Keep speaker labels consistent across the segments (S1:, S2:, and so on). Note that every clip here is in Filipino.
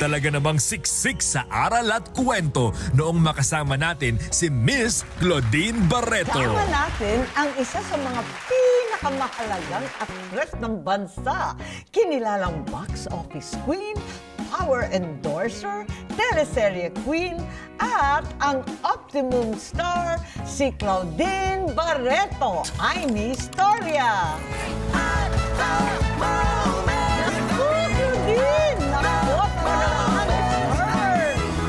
S1: Talaga namang siksik sa aral at kwento noong makasama natin si Miss Claudine Barreto.
S2: Kasama natin ang isa sa mga pinakamahalagang aktres ng bansa. Kinilalang box office queen, power endorser, teleserye queen, at ang optimum star, si Claudine Barreto. Ay, ni Historia! At the moment! Naku, Claudine! Naku, talagang her!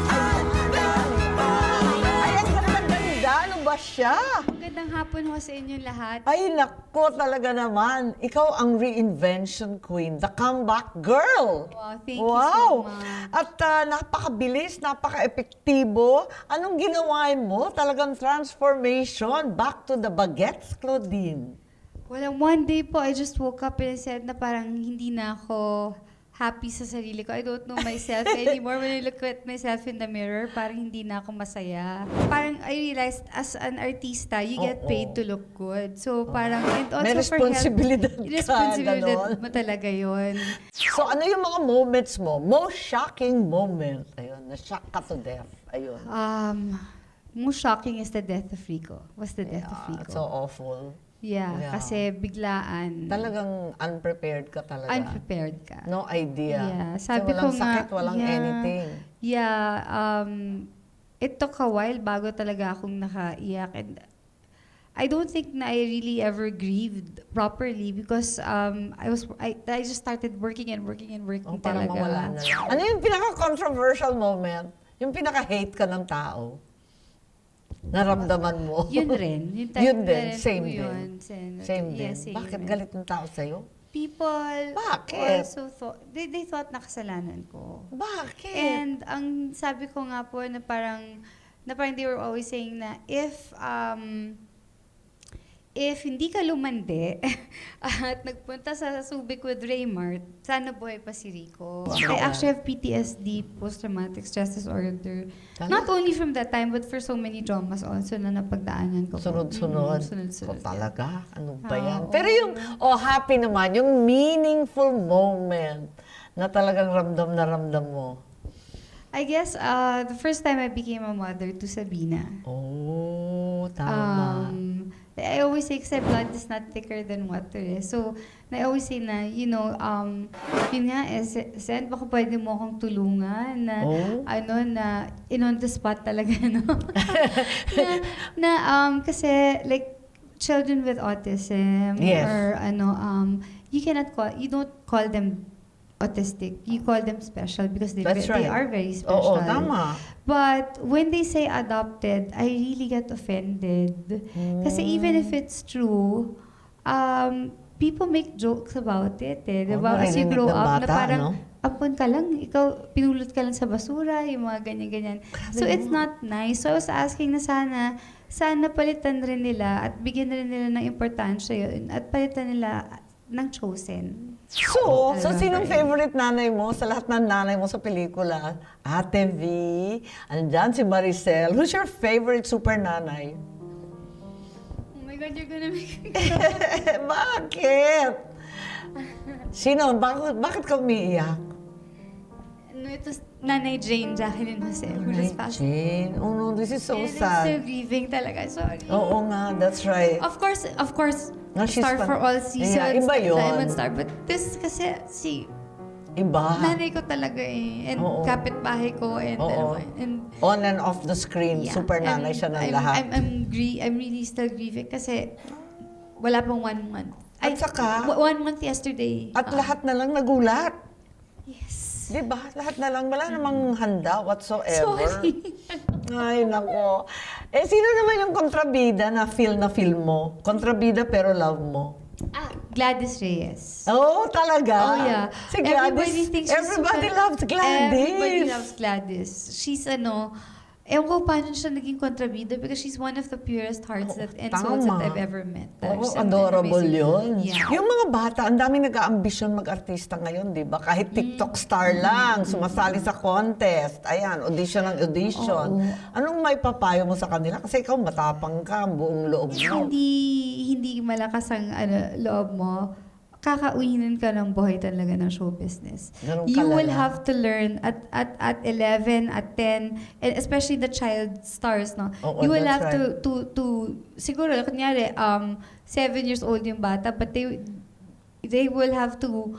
S2: Ay, ang ganda-ganda! Ano ba siya?
S3: Magandang hapon ho sa inyong lahat.
S2: Ay, nako talaga naman. Ikaw ang reinvention queen, the comeback girl.
S3: Wow, thank you so much.
S2: At napakabilis, napaka-epektibo. Anong ginawain mo? Talagang transformation. Back to the baguettes, Claudine.
S3: Well, one day po, I just woke up and I said na parang hindi na ako happy sa sarili ko. I don't know myself anymore. When I look at myself in the mirror, parang hindi na ako masaya. Parang I realized as an artista, you get paid to look good. So parang, and also
S2: May responsibilidad
S3: for health,
S2: ka,
S3: responsibilidad
S2: ganon.
S3: mo talaga yun.
S2: So ano yung mga moments mo? Most shocking moment. Ayun, na-shock ka to death. Ayun.
S3: Most shocking is the death of Rico. Was the death of Rico.
S2: So awful.
S3: Yeah,
S2: Yeah.
S3: kasi biglaan.
S2: Talagang unprepared ka talaga.
S3: Unprepared ka.
S2: No idea.
S3: Yeah,
S2: So,
S3: sabi
S2: walang
S3: ko nga,
S2: sakit, walang
S3: yeah.
S2: anything.
S3: Yeah, it took a while bago talaga akong nakaiyak. And I don't think na I really ever grieved properly because I just started working and working and working
S2: Oh, para
S3: talaga.
S2: mawala na lang. Ano yung pinaka-controversial moment? Yung pinaka-hate ka ng tao? Naramdaman mo?
S3: Yun rin. Yung time
S2: Yun
S3: na
S2: din,
S3: rin
S2: same
S3: po
S2: din.
S3: yun.
S2: Same din.
S3: Yeah, same
S2: Bakit
S3: din.
S2: galit ng tao sa'yo?
S3: People
S2: Bakit?
S3: also thought, they thought na kasalanan ko.
S2: Bakit?
S3: And ang sabi ko nga po na parang they were always saying na if hindi ka lumande at nagpunta sa Subic with Raymart, sana buhay pa si Rico. I actually have PTSD, post-traumatic stress disorder. Not only from that time, but for so many dramas also na napagdaanan ko.
S2: Sunod-sunod.
S3: Sunod-sunod.
S2: So, talaga? Ano ba yan?
S3: Oo.
S2: Pero yung, happy naman, yung meaningful moment na talagang ramdam na ramdam mo.
S3: I guess the first time I became a mother to Sabina.
S2: Oh, tama.
S3: I always say, kasi blood is not thicker than water. Eh. So, I always say na, yun nga, Sen, baka pwede mo akong tulungan na, na on the spot talaga, no? Kasi, like, children with autism,
S2: Yes.
S3: or you don't call them autistic. You call them special because they
S2: That's right.
S3: are very special.
S2: Oo, tama.
S3: But when they say adopted, I really get offended. Kasi even if it's true, people make jokes about it. Diba? As you
S2: narinig
S3: grow
S2: ng
S3: up, na
S2: bata,
S3: parang,
S2: no?
S3: ampon ka lang, ikaw, pinulot ka lang sa basura, yung mga ganyan-ganyan. So it's not nice. So I was asking na sana palitan rin nila at bigyan rin nila ng importansya yun at palitan nila ng chosen.
S2: So sinong favorite nanay mo sa lahat ng nanay mo sa pelikula? Ate V, andyan si Maricel. Who's your favorite super nanay?
S3: Oh my God, you're gonna make me
S2: Bakit? Sino? Bakit ka umiiyak?
S3: Ito Nanay Jane, Jacqueline Jose, who just passed.
S2: Jane, oh no, this is so
S3: And I'm still
S2: sad.
S3: grieving talaga, sorry.
S2: Oo nga, that's right.
S3: Of course,
S2: No, she's
S3: Star
S2: fun.
S3: for all seasons,
S2: Yeah, iba yun.
S3: Diamond Star. But this kasi,
S2: Iba.
S3: nanay ko talaga eh. And
S2: Oo.
S3: kapitbahay ko. And,
S2: Oo.
S3: and
S2: On and off the screen,
S3: yeah.
S2: super nanay
S3: And
S2: siya ng
S3: I'm,
S2: lahat.
S3: I'm really still grieving kasi wala pang 1 month.
S2: At saka-
S3: 1 month yesterday.
S2: At lahat na lang nagulat.
S3: Yes.
S2: Di ba? Lahat na lang. Wala namang handa whatsoever.
S3: Sorry.
S2: Ay, nako. Sino naman yung kontrabida na feel mo? Kontrabida pero love mo?
S3: Gladys Reyes.
S2: Oh, talaga?
S3: Oh, yeah.
S2: Si Gladys.
S3: Everybody thinks she's
S2: Everybody
S3: super-
S2: loves Gladys.
S3: Everybody loves Gladys. She's ewan ko paano siya naging kontrabida because she's one of the purest hearts and souls that
S2: tama.
S3: I've ever met.
S2: Oo,
S3: She's an
S2: adorable
S3: amazing-
S2: yun.
S3: Yeah.
S2: Yung mga bata, ang daming nag-aambisyon mag-artista ngayon, di ba? Kahit TikTok star lang, sumasali sa contest. Ayan, audition ng audition. Anong may papayo mo sa kanila? Kasi ikaw matapang ka, ang buong loob mo.
S3: Hindi malakas ang loob mo. kakauhinin ka ng buhay talaga ng show business.
S2: Ganun
S3: You will
S2: kalala.
S3: have to learn at 11, at 10, and especially the child stars, no?
S2: Oo,
S3: You will
S2: that's
S3: have to siguro, kunyari, 7 years old yung bata, but they will have to,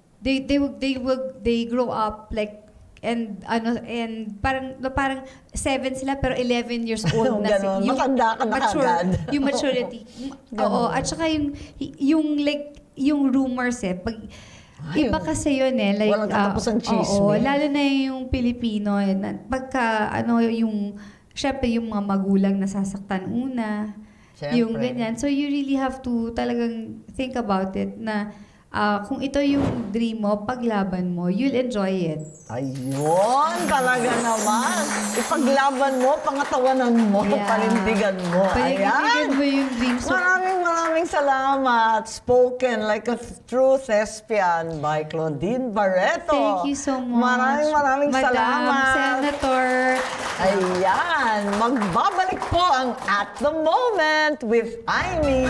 S3: they grow up like, and parang 7 sila pero 11 years old na
S2: Ganon. Matanda ka na kagad.
S3: yung maturity. Oo, at saka yung rumors pag
S2: Ay,
S3: iba kasi yun like
S2: walang katapusang chismis.
S3: oo, lalo na yung Pilipino pagka syempre yung mga magulang nasasaktan una,
S2: Syempre.
S3: yung ganyan. So you really have to talagang think about it na kung ito yung dream mo, paglaban mo, you'll enjoy it.
S2: Ayun, talaga naman. Ipaglaban mo, pangatawanan mo,
S3: Yeah.
S2: panindigan mo.
S3: Panindigan mo yung dreams mo.
S2: Maraming salamat. Spoken like a true thespian by Claudine Barreto.
S3: Thank you so much.
S2: Maraming
S3: Madam
S2: salamat.
S3: Senator.
S2: Ayan, magbabalik po ang At the Moment with Aimee.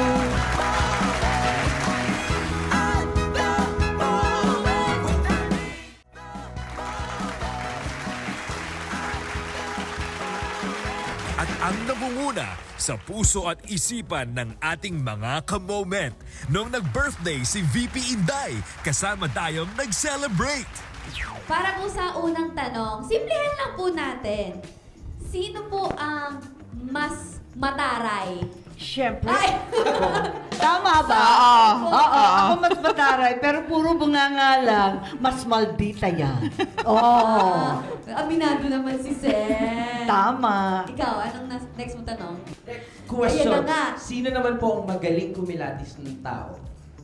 S1: At ang namumuna sa puso at isipan ng ating mga ka-moment. Noong nag-birthday si VP Inday, kasama tayong nag-celebrate.
S4: Para po sa unang tanong, simplihan lang po natin. Sino po ang mas mataray?
S5: Siyempre.
S4: Ay!
S5: Tama ba? Oo. Ako mas mataray, pero puro bunganga lang. Mas maldita yan. Oo.
S4: Aminado naman si Sen.
S5: Tama.
S4: Ikaw, anong next mo tanong?
S6: Question.
S4: Ayan na nga.
S6: Sino naman po ang magaling kumilatis ng tao?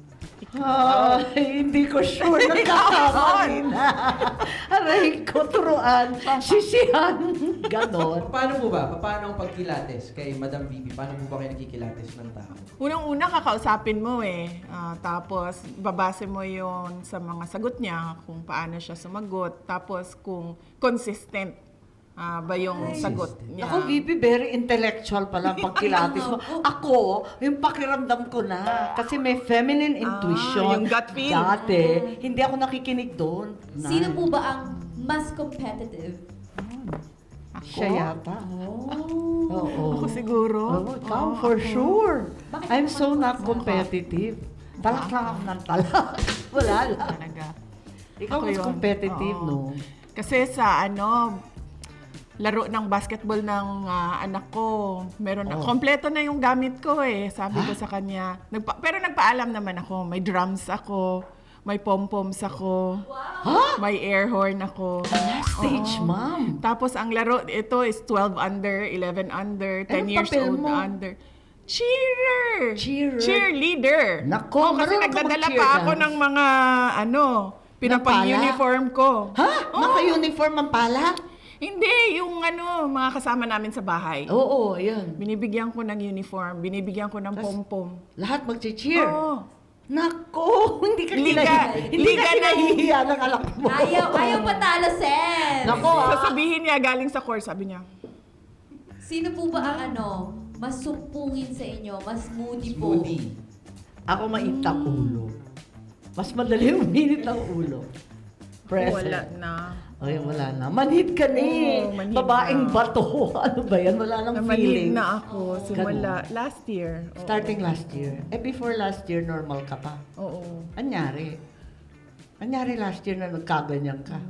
S5: Ay, hindi ko sure. Nagkakamali na. Aray ko, turuan. Sisihan. Ganon.
S6: Paano po ba? Paano ang pagkilates kay Madam VP? Paano po ba kayo nagkikilates ng tao?
S7: Unang-una, kakausapin mo tapos, babase mo yon sa mga sagot niya, kung paano siya sumagot. Tapos, kung consistent ba yung sagot niya.
S5: Ako, VP, very intellectual pala ang pagkilatis mo. Ako, yung pakiramdam ko na. Kasi may feminine intuition.
S7: yung gut feel.
S5: Dati, hindi ako nakikinig doon.
S4: Sino po ba ang mas competitive?
S5: Siya yata. Oo.
S7: Ako siguro.
S5: Oo, ikaw, for sure.
S4: Bakit
S5: I'm
S4: naman
S5: so
S4: po
S5: not
S4: ako?
S5: competitive. Talak lang ako ng talak. Wala lang.
S7: Talaga.
S5: Ikaw
S7: Ako
S5: mas
S7: yun.
S5: competitive,
S7: Oo.
S5: no?
S7: Kasi sa laro ng basketball ng anak ko, meron na, kompleto na yung gamit ko Sabi ko sa kanya, pero nagpaalam naman ako, may drums ako, may pom-poms ako, may air horn ako.
S5: Stage,
S7: Oo.
S5: ma'am.
S7: Tapos ang laro, ito is 12 under, 11 under, 10
S5: Anong
S7: years
S5: papel
S7: old
S5: mo?
S7: under. Cheerer!
S5: Cheerer.
S7: Cheerleader!
S5: Nako,
S7: Kasi
S5: marunong ka
S7: nagdadala
S5: mag-cheer
S7: pa ako
S5: dance.
S7: ng mga, pinapang-uniform ko.
S5: Ha? Naka-uniform ang pala?
S7: Hindi, yung mga kasama namin sa bahay.
S5: Oo, ayan.
S7: Binibigyan ko ng uniform, binibigyan ko ng pom-pom.
S5: Lahat mag-cheer.
S7: Oo.
S5: Nako, hindi ka
S7: Liga-
S5: hindi
S7: liga
S5: ka
S7: na-
S5: nahihiya ng anak mo.
S4: Ayaw patalo, Sen!
S5: Nako,
S7: Sasabihin niya galing sa course, sabi niya,
S4: Sino po ba ang mas sumpungin sa inyo, mas moody po?
S6: Moody.
S5: Ako mainit ang ulo. Mas madali uminit ang ulo. Present.
S7: wala na.
S5: Ay, wala na. Manhid ka na
S7: Oo, manhid
S5: Babaeng
S7: na.
S5: bato. Ano ba yan? Wala nang
S7: Namanhid
S5: feeling.
S7: na ako simula last year. Oo.
S5: Starting last year. Before last year, normal ka pa.
S7: Oo.
S5: Anyari? Anyari last year na nagkaganyan ka?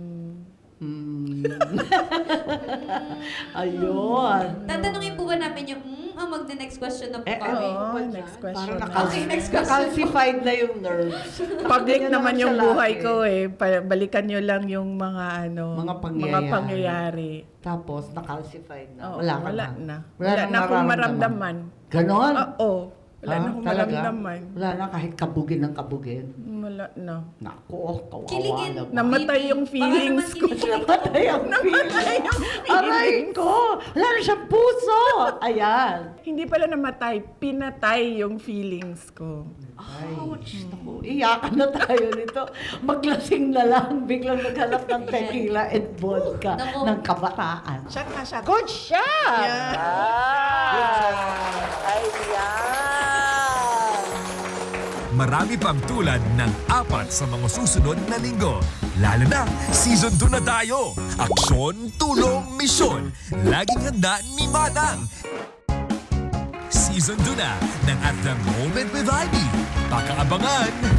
S5: Ayun.
S4: Tatanungin po ba namin yung magna-next question na po kami?
S7: Oo, next question.
S5: Parang
S4: Okay, next question.
S5: nakalsified na yung nerves.
S7: Public
S5: Ganyan
S7: naman yung
S5: siya
S7: buhay
S5: lagi.
S7: ko Balikan nyo lang yung mga
S5: Mga
S7: pangyayari.
S5: Tapos, nakalsified na.
S7: Oo,
S5: Wala ka
S7: wala
S5: na.
S7: na.
S5: Wala
S7: Wala
S5: nang
S7: na akong
S5: mararamdaman.
S7: maramdaman.
S5: Ganon?
S7: Oo. Wala na akong
S5: Talaga?
S7: maramdaman.
S5: Wala na kahit kabugin ng kabugin.
S7: Wala na.
S5: Naku, kawawa
S4: Kiligin.
S5: naman.
S7: Namatay yung feelings ko.
S5: Namatay ang feeling. Aray ko! Wala na siyang puso! Ayan.
S7: Hindi pala namatay, pinatay yung feelings ko.
S5: Ouch! Naku, iyakan na tayo nito. Maglasing na lang. Biglang naghanap ng tequila and vodka
S4: Naku.
S5: ng kabataan.
S7: Shot na, shot.
S5: Good shot!
S7: Yeah.
S5: Ayan.
S1: marami pang tulad ng 4 sa mga susunod na linggo. Lalo na, season 2 na tayo. Aksyon, tulong, misyon. Laging handa ni Manang. Season 2 na ng At The Moment with Ivy. Pakaabangan!